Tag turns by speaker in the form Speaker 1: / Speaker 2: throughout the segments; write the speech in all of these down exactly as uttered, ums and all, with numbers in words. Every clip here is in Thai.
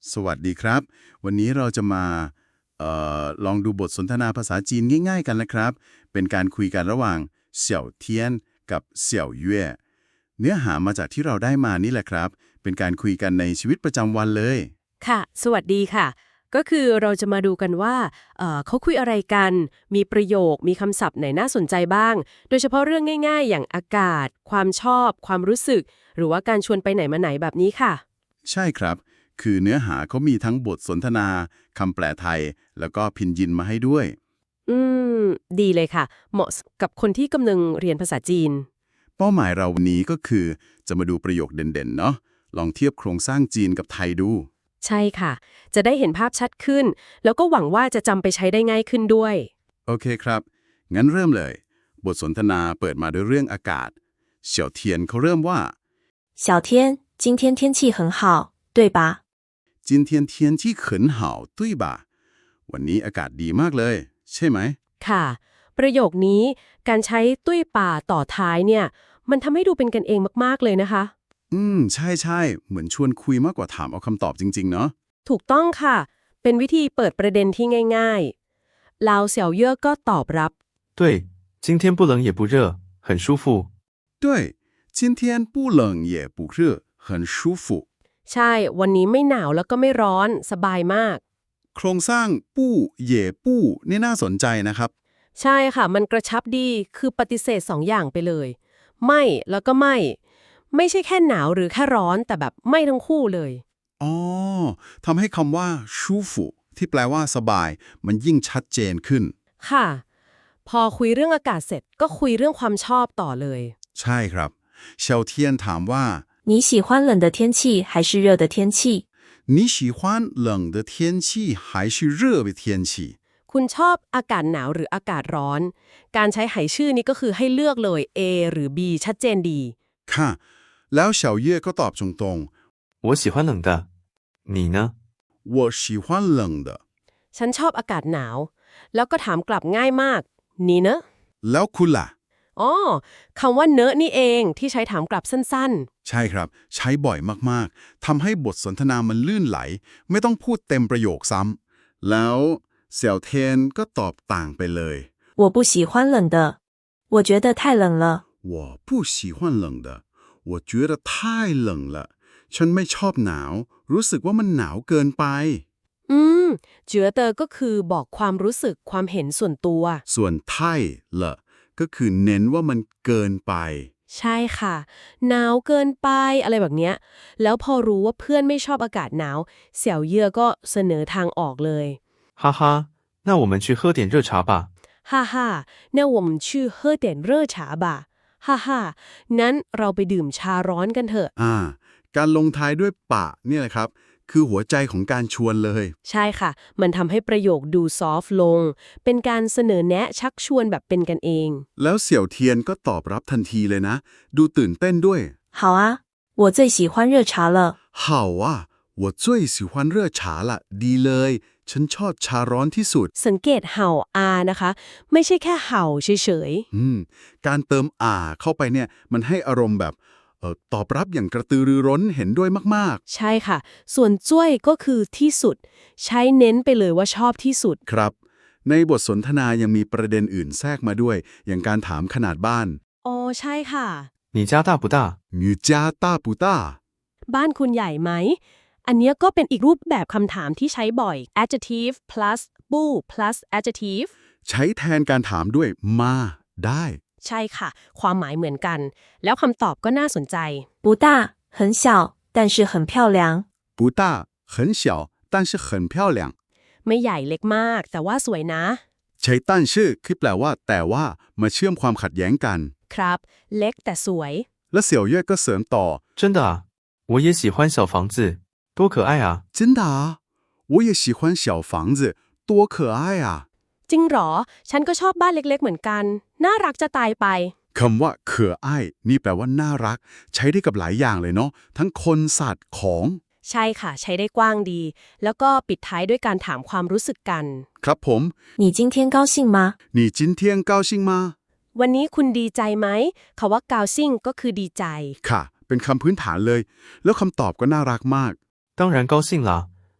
Speaker 1: สวัสดีครับวันนี้เราจะมาเออลองดูบทสนทนาภาษาจีนง่ายๆกันนะครับเป็นการคุยกันระหว่างเสี่ยวเทียนกับเสี่ยวเย่เนื้อหามาจากที่เราได้มานี่แหละครับเป็นการคุยกันในชีวิตประจำวันเลย
Speaker 2: ค่ะสวัสดีค่ะก็คือเราจะมาดูกันว่าเอ่อเขาคุยอะไรกันมีประโยคมีคำศัพท์ไหนน่าสนใจบ้างโดยเฉพาะเรื่องง่ายๆอย่างอากาศความชอบความรู้สึกหรือว่าการชวนไปไหนมาไหนแบบนี้ค่ะ
Speaker 1: ใช่ครับคือเนื้อหาเขามีทั้งบทสนทนาคำแปลไทยแล้วก็พินยินมาให้ด้วย
Speaker 2: อืมดีเลยค่ะเหมาะกับคนที่กำลังเรียนภาษาจีน
Speaker 1: เป้าหมายเราวันนี้ก็คือจะมาดูประโยคเด่นๆเนาะลองเทียบโครงสร้างจีนกับไทยดู
Speaker 2: ใช่ค่ะจะได้เห็นภาพชัดขึ้นแล้วก็หวังว่าจะจำไปใช้ได้ง่ายขึ้นด้วย
Speaker 1: โอเคครับงั้นเริ่มเลยบทสนทนาเปิดมาด้วยเรื่องอากาศเสี่ยวเทียนเขาเริ่มว่า
Speaker 3: 小天，今天天气很好，对吧？
Speaker 1: 今天天气很好对吧วันนี้อากาศดีมากเลยใช่ไหม
Speaker 2: ค่ะประโยคนี้การใช้ตุ้ยป่าต่อท้ายเนี่ยมันทำให้ดูเป็นกันเองมากๆเลยนะคะ
Speaker 1: อืมใช่ใช่เหมือนชวนคุยมากกว่าถามเอาคำตอบจริงๆเนาะ
Speaker 2: ถูกต้องค่ะ เป็นวิธีเปิดประเด็นที่ง่ายๆลาวเสี่ยวเย่อก็ตอบรับ
Speaker 4: 对，今天不冷也不热，很舒服。
Speaker 1: 对今天不冷也不热很舒服
Speaker 2: ใช่ วันนี้ไม่หนาวแล้วก็ไม่ร้อน สบายมาก
Speaker 1: โครงสร้างปู้เหย่ปู้นี่น่าสนใจนะครับ
Speaker 2: ใช่ค่ะ มันกระชับดี คือปฏิเสธสองอย่างไปเลย ไม่แล้วก็ไม่ ไม่ใช่แค่หนาวหรือแค่ร้อน แต่แบบไม่ทั้งคู่เลย
Speaker 1: อ๋อทำให้คำว่าชูฟุที่แปลว่าสบายมันยิ่งชัดเจนขึ้น
Speaker 2: ค่ะ พอคุยเรื่องอากาศเสร็จก็คุยเรื่องความชอบต่อเลย
Speaker 1: ใช่ครับเชลเทียนถามว่า
Speaker 3: 你喜欢冷的天气还是热的天气？
Speaker 1: 你喜欢冷的天气还是热的天气
Speaker 2: คุณชอบอากาศหนาวหรืออากาศร้อน การใช้ไหชื่อนี้ก็คือให้เลือกเลย A หรือ B ชัดเจนดี
Speaker 1: ค่ะแล้วเฉาเย่ก็ตอบตรง
Speaker 4: 我喜欢冷的，你呢？
Speaker 1: ๆ我喜欢冷的
Speaker 2: ฉันชอบอากาศหนาว แล้วก็ถามกลับง่ายมาก นี่เนอะ
Speaker 1: แล้วคุณล่ะ
Speaker 2: อ๋อคำว่าเนอะนี่เองที่ใช้ถามกลับสั้น
Speaker 1: ใช่ครับใช้บ่อยมากๆทำให้บทสนทนามันลื่นไหลไม่ต้องพูดเต็มประโยคซ้ำแล้วเสี่ยวเทียนก็ตอบต่างไปเลย
Speaker 3: 我不喜欢冷的，我觉得太冷了。
Speaker 1: 我不喜欢冷的我觉得太冷了ฉันไม่ชอบหนาวรู้สึกว่ามันหนาวเกินไป
Speaker 2: ๆ อืม เจือเตอก็คือบอกความรู้สึกความเห็นส่วนตัว
Speaker 1: ส่วนไท่ละก็คือเน้นว่ามันเกินไป
Speaker 2: ใช่ค่ะ หนาวเกินไปอะไรแบบเนี้ย แล้วพอรู้ว่าเพื่อนไม่ชอบอากาศหนาว เสี่ยวเย่อก็เสนอทางออกเลย
Speaker 4: 哈哈，那我们去喝点热茶吧。
Speaker 2: ฮ่าฮ่า那我们去喝点热茶吧ฮ่าฮ่างั้นเราไปดื่มชาร้อนกันเถอะ
Speaker 1: อ่า การลงท้ายด้วยปะเนี่ยแหละครับ คือหัวใจของการชวนเลย
Speaker 2: ใช่ค่ะ มันทำให้ประโยคดูซอฟต์ลง เป็นการเสนอแนะชักชวนแบบเป็นกันเอง
Speaker 1: แล้วเสี่ยวเทียนก็ตอบรับทันทีเลยนะ ดูตื่นเต้นด้วย
Speaker 3: 好啊，我最喜欢热茶了。
Speaker 1: 好啊我最喜欢热茶了ดีเลย ฉันชอบชาร้อนที่สุด
Speaker 2: สังเกตเห่าอานะคะ ไม่ใช่แค่เห่าเฉย
Speaker 1: อืม การเติมอ่าเข้าไปเนี่ย มันให้อารมณ์แบบเอ่อตอบรับอย่างกระตือรือร้นเห็นด้วยมาก
Speaker 2: ๆ ใช่ค่ะ ส่วนจ้วยก็คือที่สุด ใช้เน้นไปเลยว่าชอบที่สุด
Speaker 1: ๆ ครับ ในบทสนทนายังมีประเด็นอื่นแทรกมาด้วย อย่างการถามขนาดบ้าน
Speaker 2: อ๋อใช่ค่ะ
Speaker 4: 你家大不大？
Speaker 1: 你家大不大
Speaker 2: บ้านคุณใหญ่ไหม อันเนี้ยก็เป็นอีกรูปแบบคำถามที่ใช้บ่อย adjective plus บู้ plus adjective
Speaker 1: ใช้แทนการถามด้วยมาได้
Speaker 2: ใช่ค่ะ ความหมายเหมือนกัน แล้วคำตอบก็น่าสนใจ
Speaker 3: 不大，很小，但是很漂亮。
Speaker 1: 不大很小但是很漂亮
Speaker 2: ไม่ใหญ่เล็กมาก แต่ว่าสวยนะ
Speaker 1: ใช้ตั้นชื่อคือแปลว่า แต่ว่ามาเชื่อมความขัดแย้งกัน
Speaker 2: ครับ เล็กแต่สวย
Speaker 1: และเสี่ยวเย่ก็เสริมต่อ
Speaker 4: 真的啊，我也喜欢小房子，多可爱啊！
Speaker 1: 真的啊我也喜欢小房子多可爱啊
Speaker 2: จริงเหรอ ฉันก็ชอบบ้านเล็กๆเหมือนกัน น่ารักจะตายไป
Speaker 1: คำว่าเคออ้ายนี่แปลว่าน่ารัก ใช้ได้กับหลายอย่างเลยเนาะทั้งคนสัตว์ของ
Speaker 2: ใช่ค่ะ ใช้ได้กว้างดี แล้วก็ปิดท้ายด้วยการถามความรู้สึกกัน
Speaker 1: ครับผม
Speaker 3: 你今天高兴吗？
Speaker 1: 你今天高兴吗
Speaker 2: วันนี้คุณดีใจไหมคำว่ากาวซิ่งก็คือดีใจ
Speaker 1: ค่ะ เป็นคำพื้นฐานเลย แล้วคำตอบก็น่ารักมาก
Speaker 4: 当然高兴啦，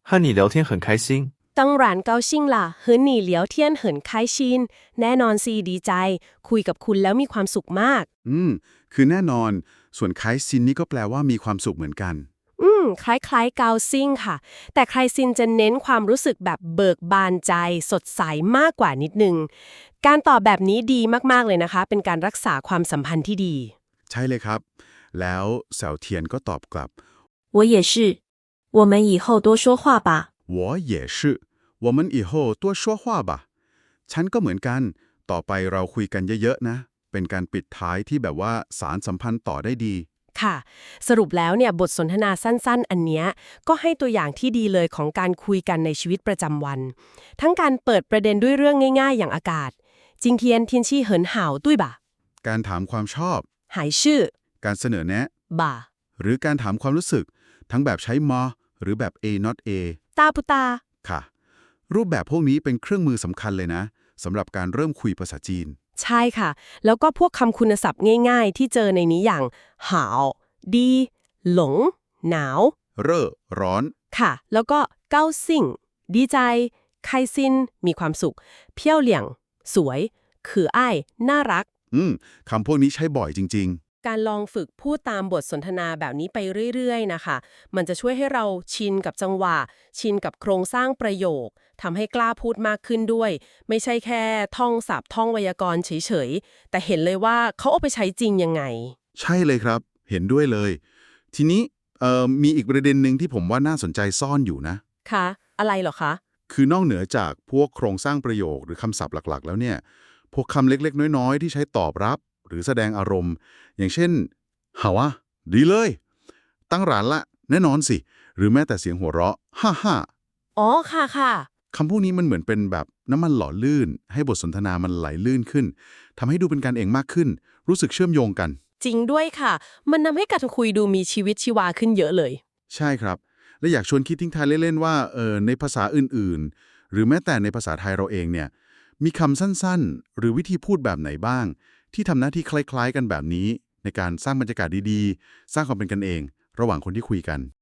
Speaker 4: 和你聊天很开心。
Speaker 2: 当然高兴啦和你聊天很开心แน่นอนสิดีใจ คุยกับคุณแล้วมีความสุขมาก
Speaker 1: อืม คือแน่นอน ส่วนคล้ายซินนี่ก็แปลว่ามีความสุขเหมือนกัน
Speaker 2: อืม คล้ายๆเกาซิ่งค่ะ แต่ไคลซินจะเน้นความรู้สึกแบบเบิกบานใจ สดใสมากกว่านิดนึง การตอบแบบนี้ดีมากๆเลยนะคะ เป็นการรักษาความสัมพันธ์ที่ดี
Speaker 1: ใช่เลยครับ แล้วเสาเทียนก็ตอบกลับ
Speaker 3: 我也是，我们以后多说话吧。
Speaker 1: 我也是我们以后多说话吧ฉันก็เหมือนกัน ต่อไปเราคุยกันเยอะๆนะ เป็นการปิดท้ายที่แบบว่าสารสัมพันธ์ต่อได้ดี
Speaker 2: ค่ะ สรุปแล้วเนี่ยบทสนทนาสั้นๆ อันเนี้ยก็ให้ตัวอย่างที่ดีเลยของการคุยกันในชีวิตประจำวัน ทั้งการเปิดประเด็นด้วยเรื่องง่ายๆ อย่างอากาศจิงเทียน天气很好对吧
Speaker 1: การถามความชอบ
Speaker 2: หายชื่อ
Speaker 1: การเสนอแนะ
Speaker 2: บ่า
Speaker 1: หรือการถามความรู้สึก ทั้งแบบใช้มอหรือแบบ A not A
Speaker 2: ตาปุตา
Speaker 1: ค่ะ รูปแบบพวกนี้เป็นเครื่องมือสำคัญเลยนะสำหรับการเริ่มคุยภาษาจีน
Speaker 2: ใช่ค่ะ แล้วก็พวกคำคุณศัพท์ง่ายๆ ที่เจอในนี้อย่างหาวดี หลง หนาว
Speaker 1: เร่อร้อน
Speaker 2: ค่ะ แล้วก็เก้าซิ่ง ดีใจ ไคซิน มีความสุข เพี้ยวเหลี่ยง สวย คืออ้ายน่ารัก
Speaker 1: อืมคำพวกนี้ใช้บ่อยจริง
Speaker 2: การลองฝึกพูดตามบทสนทนาแบบนี้ไปเรื่อยๆ นะคะ มันจะช่วยให้เราชินกับจังหวะ ชินกับโครงสร้างประโยค ทำให้กล้าพูดมากขึ้นด้วย ไม่ใช่แค่ท่องศัพท์ท่องไวยากรณ์เฉยๆ แต่เห็นเลยว่าเขาเอาไปใช้จริงยังไง
Speaker 1: ๆ ใช่เลยครับ เห็นด้วยเลย ทีนี้เอ่อมีอีกประเด็นหนึ่งที่ผมว่าน่าสนใจซ่อนอยู่นะ
Speaker 2: ค่ะ อะไรเหรอคะ
Speaker 1: คือนอกเหนือจากพวกโครงสร้างประโยคหรือคำศัพท์หลักๆ แล้วเนี่ย พวกคำเล็กๆ น้อยๆ ที่ใช้ตอบรับ หรือแสดงอารมณ์ อย่างเช่นหาวะดีเลย ตั้งร้านละ แน่นอนสิ หรือแม้แต่เสียงหัวเราะฮ่าฮ่า
Speaker 2: อ๋อ ค่ะค่ะ
Speaker 1: คำพวกนี้มันเหมือนเป็นแบบน้ำมันหล่อลื่น ให้บทสนทนามันไหลลื่นขึ้นทำให้ดูเป็นกันเองมากขึ้น รู้สึกเชื่อมโยงกัน
Speaker 2: จริงด้วยค่ะ มันทำให้การคุยดูมีชีวิตชีวาขึ้นเยอะเลย
Speaker 1: ใช่ครับ และอยากชวนคิดทิ้งท้ายเล่นๆว่าเออในภาษาอื่นๆ หรือแม้แต่ในภาษาไทยเราเองเนี่ยมีคำสั้นๆ หรือวิธีพูดแบบไหนบ้าง ที่ทำหน้าที่คล้ายๆกันแบบนี้ ในการสร้างบรรยากาศดีๆ สร้างความเป็นกันเอง ระหว่างคนที่คุยกัน